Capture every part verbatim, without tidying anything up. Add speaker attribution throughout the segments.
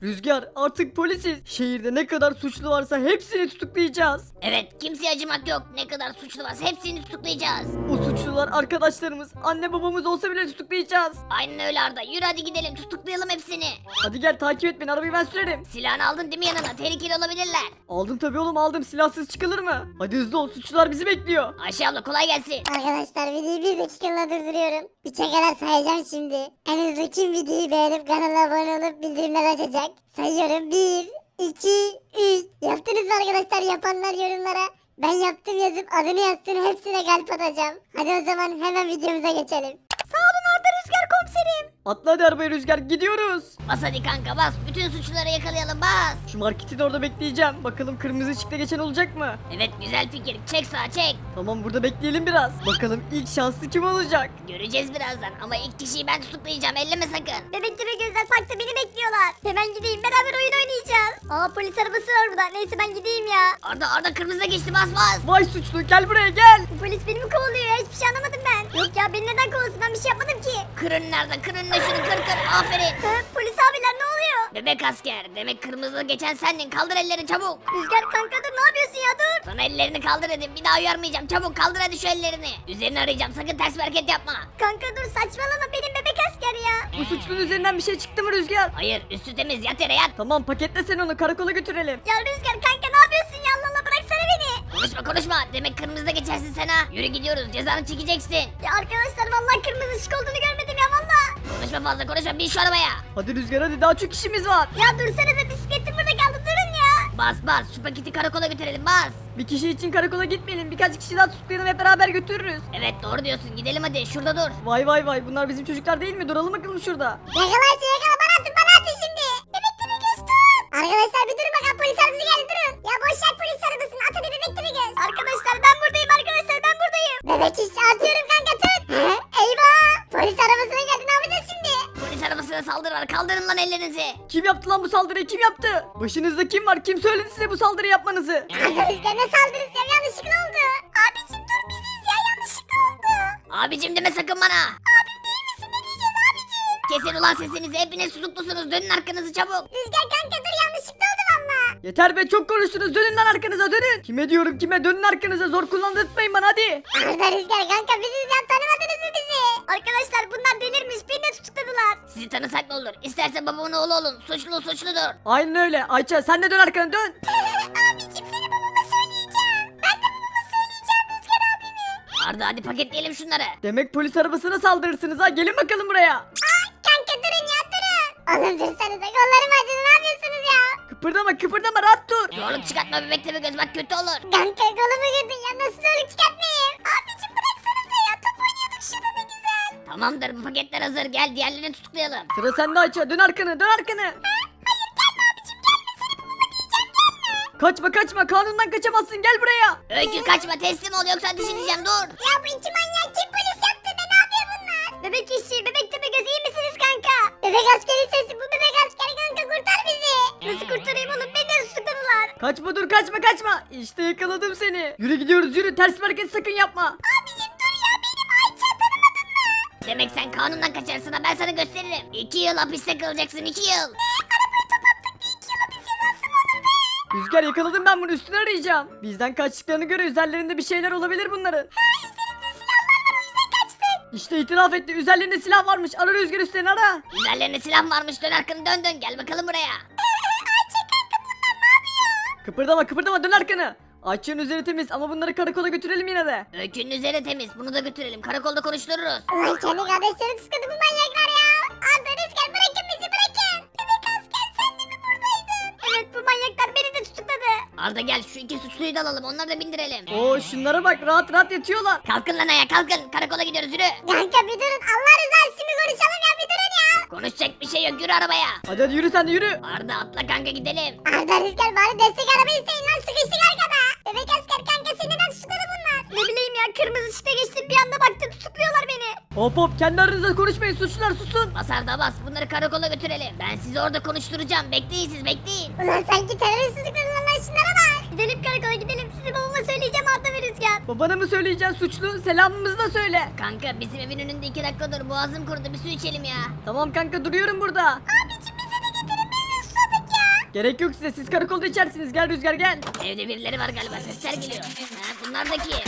Speaker 1: Rüzgar artık polisiz. Şehirde ne kadar suçlu varsa hepsini tutuklayacağız.
Speaker 2: Evet, kimseye acımak yok. Ne kadar suçlu varsa hepsini tutuklayacağız.
Speaker 1: O suçlular arkadaşlarımız, anne babamız olsa bile tutuklayacağız.
Speaker 2: Aynen öyle Arda. Yürü hadi gidelim, tutuklayalım hepsini.
Speaker 1: Hadi gel takip et beni, arabayı ben sürerim.
Speaker 2: Silahını aldın değil mi yanına? Tehlikeli olabilirler.
Speaker 1: Aldım tabii oğlum, aldım, silahsız çıkılır mı? Hadi hızlı ol, suçlular bizi bekliyor.
Speaker 2: Ayşe abla kolay gelsin.
Speaker 3: Arkadaşlar videoyu bir dakikalığına durduruyorum. Üçe kadar sayacağım şimdi. En hızlı kim videoyu beğenip kanala abone olup bildirimler açacak? Sayıyorum. Bir, iki, üç. Yaptınız mı arkadaşlar? Yapanlar yorumlara ben yaptım yazıp adını yazsın, hepsine kalp atacağım. Hadi o zaman hemen videomuza geçelim. Sağ olun Arda Rüzgar komiserim.
Speaker 1: Atla hadi arabaya Rüzgar, gidiyoruz.
Speaker 2: Bas hadi kanka bas. Bütün suçluları yakalayalım bas.
Speaker 1: Şu marketin orada bekleyeceğim. Bakalım kırmızı ışıkta geçen olacak mı?
Speaker 2: Evet güzel fikir. Çek sağa çek.
Speaker 1: Tamam, burada bekleyelim biraz. Bakalım ilk şanslı kim olacak?
Speaker 2: Göreceğiz birazdan ama ilk kişiyi ben tutuklayacağım. Elleme sakın.
Speaker 3: Bebek gibi gözler parkta beni bekliyorlar. Hemen gideyim, beraber oyun oynayacağız. Aa, polis arabası var burada. Neyse ben gideyim ya.
Speaker 2: Arda Arda kırmızıda geçti bas bas.
Speaker 1: Vay suçlu, gel buraya gel.
Speaker 3: Bu polis beni mi kovalıyor ya? Hiçbir şey anlamadım ben. Yok ya, beni neden kovalasın? Ben bir şey yapmadım ki.
Speaker 2: Kırın nerede? Kırın da şunu kır kır. Aferin.
Speaker 3: Hı, polis abiler ne oluyor?
Speaker 2: Bebek asker. Demek kırmızıda geçen sendin. Kaldır ellerini çabuk.
Speaker 3: Rüzgar kanka dur, ne yapıyorsun ya, dur.
Speaker 2: Sana ellerini kaldır dedim. Bir daha uyarmayacağım. Çabuk kaldır hadi şu ellerini. Üzerini arayacağım. Sakın ters bir hareket yapma.
Speaker 3: Kanka dur, saçmalama, benim bebek asker ya.
Speaker 1: Bu suçlunun üzerinden bir şey çıktı mı Rüzgar?
Speaker 2: Hayır üstü temiz. Yat yere yat.
Speaker 1: Tamam, paketle sen onu, karakola götürelim.
Speaker 3: Ya Rüzgar kanka ne yapıyorsun ya, Allah Allah, bıraksana beni.
Speaker 2: Konuşma konuşma. Demek kırmızıda geçersin sen ha. Yürü gidiyoruz. Cezanı çekeceksin.
Speaker 3: Ya arkadaşlar vallahi kırmızı ışık olduğunu görmedim ya, vallahi.
Speaker 2: Konuşma fazla konuşma. Bin şu arabaya.
Speaker 1: Hadi Rüzgar hadi, daha çok işimiz var.
Speaker 3: Ya dursanıza, bisikletim burada kaldı, durun ya.
Speaker 2: Bas bas. Şu paketi karakola götürelim. Bas.
Speaker 1: Bir kişi için karakola gitmeyelim, birkaç kişi daha tutuklayalım, hep beraber götürürüz.
Speaker 2: Evet doğru diyorsun. Gidelim hadi. Şurada dur.
Speaker 1: Vay vay vay, bunlar bizim çocuklar değil mi? Duralım bakalım şurada.
Speaker 3: Yakala hadi, yakala, bana atın, bana atın şimdi. Bebek gibi göz tut. Arkadaşlar bir durun bakalım, polis arabası geldi, durun. Ya boş ver polis arabasını, at hadi bebek gibi göz. Arkadaşlar ben buradayım, arkadaşlar ben buradayım. Bebek iş atıyorum kanka, tut. He? Eyvah. Polis arabasına geldi, ne yapacağız şimdi?
Speaker 2: Polis arabasına saldırı var. Kaldırın lan ellerinizi.
Speaker 1: Kim yaptı lan bu saldırıyı, kim yaptı? Başınızda kim var? Kim söyledi size bu saldırı yapmanızı?
Speaker 3: Arkadaşlar ne saldırısı ya, yanlışlıkla oldu. Abicim dur, biziz ya, yanlışlıkla oldu.
Speaker 2: Abicim deme sakın bana.
Speaker 3: Abim değil misin, ne diyeceğiz abicim?
Speaker 2: Kesin ulan sesinizi. Hepiniz tutuklusunuz. Dönün arkanızı çabuk.
Speaker 3: Rüzgar kanka dur, yanlışlıkla oldu valla.
Speaker 1: Yeter be, çok konuştunuz, dönün lan arkanıza, dönün. Kime diyorum, kime? Dönün arkanıza, zor kullandırtmayın bana hadi.
Speaker 3: Arda Rüzgar kanka biziz ya, tanımadınız mı bizi? Arkadaşlar bunlar delirmiş, beni de tutukladılar.
Speaker 2: Sizi tanısak ne olur? İsterse babamın oğlu olun. Suçlu suçludur.
Speaker 1: Aynen öyle. Ayça sen de dön arkana, dön.
Speaker 3: Abicim seni babama söyleyeceğim. Ben de babama söyleyeceğim Rüzgar abimi.
Speaker 2: Arda hadi paketleyelim şunları.
Speaker 1: Demek polis arabasına saldırırsınız ha, gelin bakalım buraya.
Speaker 3: Aa, kanka durun ya, durun. Oğlum dursanıza, kollarım acıdı, ne yapıyorsunuz ya?
Speaker 1: Kıpırdama kıpırdama, rahat dur.
Speaker 2: Zorluk çıkartma bebek tepe göz bak kötü olur.
Speaker 3: Kanka kolumu girdin ya, nasıl zorluk çıkartmayayım? Abicim bıraksanıza ya, top oynuyorduk şurada, ne güzel.
Speaker 2: Tamamdır bu paketler hazır. Gel diğerlerini tutuklayalım.
Speaker 1: Sıra sende Ayça, dön arkanı, dön arkanı.
Speaker 3: Hayır gelme abicim, gelme, seni babama diyeceğim, gelme.
Speaker 1: Kaçma kaçma, kanundan kaçamazsın, gel buraya.
Speaker 2: Öykü kaçma teslim ol yoksa ateş edeceğim dur.
Speaker 3: Ya bu iki manyak kim, polis yaptı be, ne yapıyor bunlar? Bebek işçi, bebek tepe göz, iyi misiniz kanka? Bebek askeri sesi, bu bebek askeri kanka, kurtar bizi. Nasıl kurtarayım oğlum, beni de tutukladılar.
Speaker 1: Kaçma, dur kaçma kaçma. İşte yakaladım seni. Yürü gidiyoruz, yürü, ters bir hareket sakın yapma.
Speaker 3: Abicim dur ya, benim Ayça, tanımadın mı?
Speaker 2: Demek sen kanundan kaçarsın ha ben sana gösteririm. İki yıl hapiste kalacaksın iki yıl.
Speaker 3: Arabayı top attık diye iki yıl hapis cezası mı olur be?
Speaker 1: Rüzgar yakaladım, ben bunu, üstüne arayacağım. Bizden kaçtıklarını göre üzerlerinde bir şeyler olabilir bunların.
Speaker 3: Üzerimde silahlar var, o yüzden kaçtık.
Speaker 1: İşte itiraf etti, üzerlerinde silah varmış. Ara Rüzgar, üstlerini ara.
Speaker 2: Üzerlerine silah varmış dön arkanı dön dön gel bakalım buraya.
Speaker 3: Ayça kanka bunlar ne yapıyor?
Speaker 1: Kıpırdama kıpırdama, dön arkanı. Ayça'nın üzeri temiz ama bunları karakola götürelim yine de.
Speaker 2: Öykünün üzeri temiz bunu da götürelim karakolda konuştururuz.
Speaker 3: Ulan kendi kardeşleri tutukladı bu manyaklar ya. Arda Rüzgar bırakın bizi, bırakın. Bebek asker sen de mi buradaydın? Evet, bu manyaklar beni de tutukladı.
Speaker 2: Arda gel şu iki suçluyu da alalım onları da bindirelim.
Speaker 1: Oo şunlara bak, rahat rahat yatıyorlar.
Speaker 2: Kalkın lan ayağa kalkın karakola gidiyoruz yürü.
Speaker 3: Kanka bir durun, Allah rızası için bir konuşalım ya, bir durun ya.
Speaker 2: Konuşacak bir şey yok yürü arabaya.
Speaker 1: Hadi hadi yürü, sen de yürü.
Speaker 2: Arda atla kanka gidelim.
Speaker 3: Arda Rüzgar bari destek araba isteyin lan, sıkıştık arkada. Bebek asker kanka seni neden tutukladı bunlar? Ne bileyim ya, kırmızı ışıkta geçtim, bir anda baktım tutukluyorlar beni.
Speaker 1: Hop hop, kendi aranızda konuşmayın, suçlular susun.
Speaker 2: Bas Arda bas bunları karakola götürelim. Ben sizi orada konuşturacağım bekleyin siz bekleyin.
Speaker 3: Ulan sanki terörist tutukladılar lan, şunlara bak. Gidelim karakola gidelim, sizi babama söyleyeceğim Arda ve Rüzgar.
Speaker 1: Babana mı söyleyeceksin suçlu? Selamımızı da söyle.
Speaker 2: Kanka bizim evin önünde iki dakika dur boğazım kurudu bir su içelim ya.
Speaker 1: Tamam kanka, duruyorum burada.
Speaker 3: Abicim bizi de getirin, biz de susadık
Speaker 1: Gerek yok size, siz karakolda içersiniz. Gel Rüzgar gel.
Speaker 2: Evde birileri var galiba, sesler geliyor. Ha, bunlar da kim?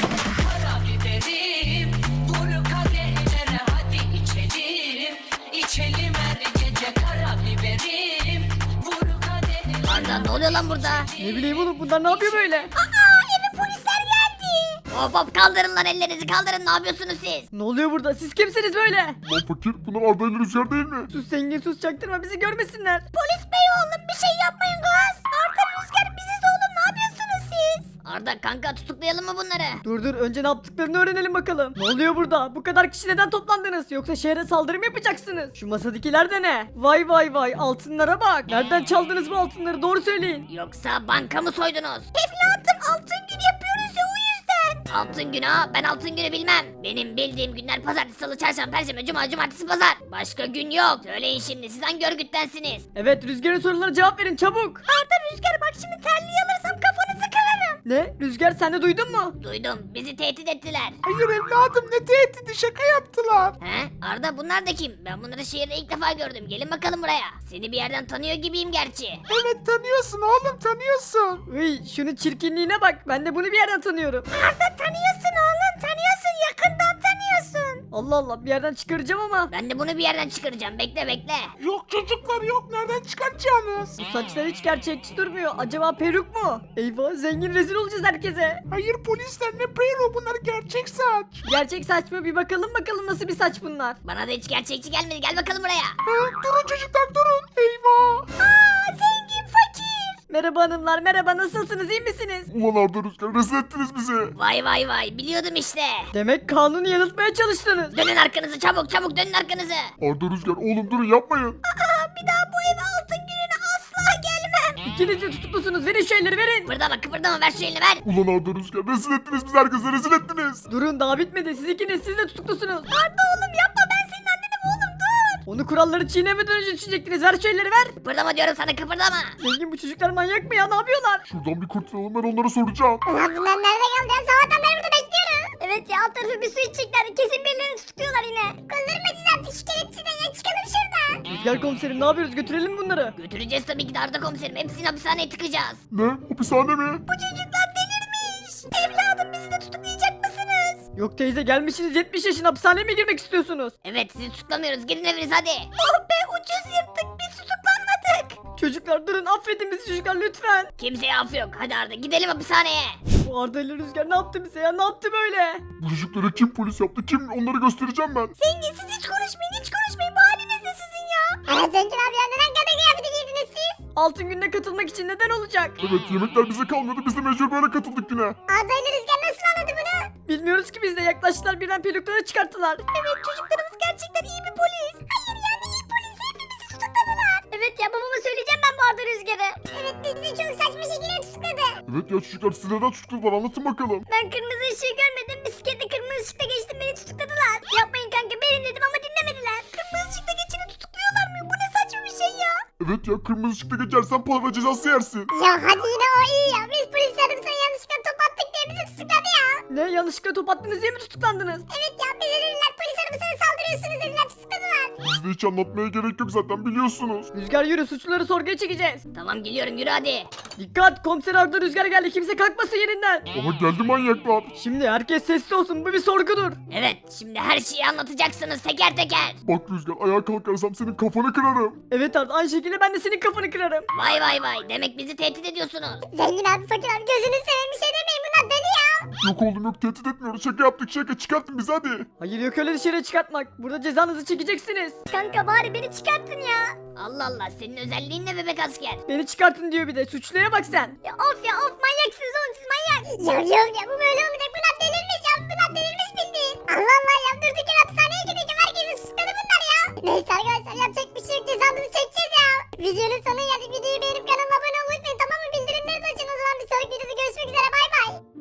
Speaker 4: Karabiberim, vur kadehlere hadi içelim. İçelim her gece karabiberim, vur kadehlere.
Speaker 2: Arda ne oluyor lan burada?
Speaker 1: Ne bileyim oğlum, bunlar ne yapıyor böyle?
Speaker 2: Aa eve polisler geldi. Hop hop kaldırın lan ellerinizi kaldırın, ne yapıyorsunuz siz?
Speaker 1: Ne oluyor burada? Siz kimsiniz böyle?
Speaker 5: Lan fakir bunlar Arda ile Rüzgar değil mi?
Speaker 1: Sus zengin sus, çaktırma, bizi görmesinler.
Speaker 2: Polis bey oğlum bir şey yapmayın kız. Arda Rüzgar biziz oğlum, ne yapıyorsunuz siz? Arda kanka tutuklayalım mı bunları?
Speaker 1: Dur dur, önce ne yaptıklarını öğrenelim bakalım. Ne oluyor burada? Bu kadar kişi neden toplandınız? Yoksa şehre saldırı mı yapacaksınız? Şu masadakiler de ne? Vay vay vay, altınlara bak. Nereden çaldınız bu altınları? Doğru söyleyin.
Speaker 2: Yoksa banka mı soydunuz? Evladım altın gün yapıyoruz ya o yüzden. Altın günü ha, ben altın günü bilmem. Benim bildiğim günler pazartesi, salı, çarşamba, perşembe, cuma, cumartesi, pazar. Başka gün yok. Söyleyin şimdi, siz hangi örgüttensiniz?
Speaker 1: Evet, Rüzgar'ın sorularına cevap verin çabuk.
Speaker 2: Arda Rüzgar bak şimdi terliği alırsam kafanızı kırarım.
Speaker 1: Ne? Rüzgar sen de duydun mu?
Speaker 2: Duydum, bizi tehdit ettiler.
Speaker 5: Hayır evladım ne tehdidi şaka yaptılar.
Speaker 2: He? Arda bunlar da kim? Ben bunları şehirde ilk defa gördüm. Gelin bakalım buraya. Seni bir yerden tanıyor gibiyim gerçi.
Speaker 5: Evet tanıyorsun oğlum tanıyorsun.
Speaker 1: Uy, şunun çirkinliğine bak. Ben de bunu bir yerden tanıyorum.
Speaker 2: Arda tanıyorsun oğlum, tanıyorsun, yakından tanıyorsun.
Speaker 1: Allah Allah, bir yerden çıkaracağım ama.
Speaker 2: Ben de bunu bir yerden çıkaracağım. Bekle bekle.
Speaker 5: Yok çocuklar yok nereden çıkartacaksınız?
Speaker 1: Bu saçlar hiç gerçekçi durmuyor. Acaba peruk mu? Eyvah, zengin rezil olacağız herkese.
Speaker 5: Hayır polisler ne peyro bunlar gerçek saç.
Speaker 1: Gerçek saç mı? Bir bakalım bakalım nasıl bir saç bunlar.
Speaker 2: Bana da hiç gerçekçi gelmedi. Gel bakalım buraya.
Speaker 5: Ha, durun çocuklar durun. Eyvah.
Speaker 2: Aa zengin fakir.
Speaker 1: Merhaba hanımlar, merhaba, nasılsınız, iyi misiniz?
Speaker 5: Ulan Arda Rüzgar rezil ettiniz bizi.
Speaker 2: Vay vay vay, biliyordum işte.
Speaker 1: Demek kanunu yanıltmaya çalıştınız.
Speaker 2: Dönün arkanızı çabuk çabuk, dönün arkanızı.
Speaker 5: Arda Rüzgar oğlum durun yapmayın.
Speaker 2: Aa bir daha bu eve altın gününe asla gelmem.
Speaker 1: İkiniz de tutuklusunuz, verin şu elleri verin.
Speaker 2: Kıpırdama kıpırdama, ver şu elini ver.
Speaker 5: Ulan Arda Rüzgar rezil ettiniz bizi herkese rezil ettiniz.
Speaker 1: Durun, daha bitmedi, siz ikiniz, siz de tutuklusunuz.
Speaker 2: Arda oğlum yapma, ben senin annenim oğlum, dur.
Speaker 1: Onu kuralları çiğnemeden önce düşecektiniz, ver şu elleri ver.
Speaker 2: Kıpırdama diyorum sana, kıpırdama.
Speaker 1: Zengin, bu çocuklar manyak mı ya, ne yapıyorlar?
Speaker 5: Şuradan bir kurtulalım ben onlara soracağım.
Speaker 3: Ulan bunlar nerede kaldı ya? Sabahtan beri burada bekliyoruz. Evet ya alt tarafı bir su içecekler. Kesin birilerini tutukluyorlar yine. Kızdırmacılar piş kelepçeden ya çıkalım şuradan.
Speaker 1: Rüzgar komiserim, ne yapıyoruz, götürelim mi bunları?
Speaker 2: Götüreceğiz tabii ki de Arda komiserim, hepsini hapishaneye tıkacağız.
Speaker 5: Ne? Hapishane mi?
Speaker 2: Bu çocuklar delirmiş. Evladım bizi de tutuklayacak mısınız?
Speaker 1: Yok teyze, gelmişsiniz yetmiş yaşına, hapishaneye mi girmek istiyorsunuz?
Speaker 2: Evet sizi tutuklamıyoruz, gidin eviniz hadi. Oh be ucuz yırttık, biz tutuklanmadık.
Speaker 1: Çocuklar durun, affedin bizi çocuklar lütfen.
Speaker 2: Kimseye af yok, hadi Arda gidelim hapishaneye.
Speaker 1: Bu Arda ile Rüzgar ne yaptı bize ya, ne yaptı böyle?
Speaker 5: Bu çocuklara kim polis yaptı kim onları göstereceğim ben.
Speaker 2: Zengin siz hiç konuşmayın, hiç konuşmayın, bu haliniz ne sizin ya?
Speaker 3: Aa zengin abi ya neden kadın kıyafeti giydiniz siz?
Speaker 1: Altın gününe katılmak için neden olacak?
Speaker 5: Evet yemekler bize kalmadı biz de mecbur böyle katıldık yine.
Speaker 3: Arda ile Rüzgar nasıl anladı bunu?
Speaker 1: Bilmiyoruz ki, biz de yaklaştılar, birden pelukları çıkarttılar.
Speaker 2: Evet çocuklarımız gerçekten iyi bir polis. Hayır yani iyi polis, hepimizi tutukladılar.
Speaker 3: Evet ya babama söyleyeceğim ben bu Arda Rüzgar'ı. Evet bizi de çok saçma şekilde tutukladı.
Speaker 5: Evet ya çocuklar siz neden tutuklular anlatın bakalım.
Speaker 3: Ben kırmızı ışığı görmedim. Bisikletle kırmızı ışıkta geçtim beni tutukladılar. Yapmayın kanka benim dedim ama dinlemediler. Kırmızı ışıkta geçeni tutukluyorlar mı? Bu ne saçma bir şey ya.
Speaker 5: Evet ya kırmızı ışıkta geçersen para cezası yersin.
Speaker 3: Ya hadi yine o iyi ya. Biz polislerim sana yanlışlıkla top attık diye bizi tutukladı ya.
Speaker 1: Ne, yanlışlıkla top attınız diye mi tutuklandınız?
Speaker 3: Evet ya bize dediler polis arabasına saldırıyorsunuz dediler tutukladılar.
Speaker 5: Bizde hiç anlatmaya gerek yok zaten biliyorsunuz.
Speaker 1: Rüzgar yürü, suçluları sorguya çekeceğiz.
Speaker 2: Tamam geliyorum, yürü hadi.
Speaker 1: Dikkat, komiser Arda Rüzgar geldi, kimse kalkmasın yerinden.
Speaker 5: Ama geldi manyaklar.
Speaker 1: Şimdi herkes sessiz olsun, bu bir sorgudur.
Speaker 2: Evet şimdi her şeyi anlatacaksınız teker teker.
Speaker 5: Bak Rüzgar ayağa kalkarsam senin kafanı kırarım.
Speaker 1: Evet Arda, aynı şekilde ben de senin kafanı kırarım.
Speaker 2: Vay vay vay, demek bizi tehdit ediyorsunuz.
Speaker 3: Zengin abi fakir abi gözünü seveyim bir şey demeyin bunlar deli ya.
Speaker 5: Yok oğlum yok tehdit etmiyoruz şaka yaptık şaka çıkartın bizi hadi.
Speaker 1: Hayır, yok öyle dışarı çıkartmak. Burada cezanızı çekeceksiniz.
Speaker 3: Kanka bari beni çıkartın ya.
Speaker 2: Allah Allah, senin özelliğin ne bebek asker?
Speaker 1: Beni çıkartın diyor bir de, suçluya bak sen.
Speaker 3: Ya of ya of manyaksınız oğlum siz manyak. Ya yok ya bu böyle olmayacak bunlar delirmiş ya bunlar delirmiş bildiğin. Allah Allah ya durduk yere hapishaneye gideceğim herkesi suçladı bunlar ya. Neyse arkadaşlar yapacak bir şey yok cezamızı çekeceğiz ya. Videonun sonuna geldik videoyu beğenip kanalıma abone olmayı unutmayın tamam mı bildirimleri de açın o zaman bir sonraki videoda görüşmek üzere bay bay.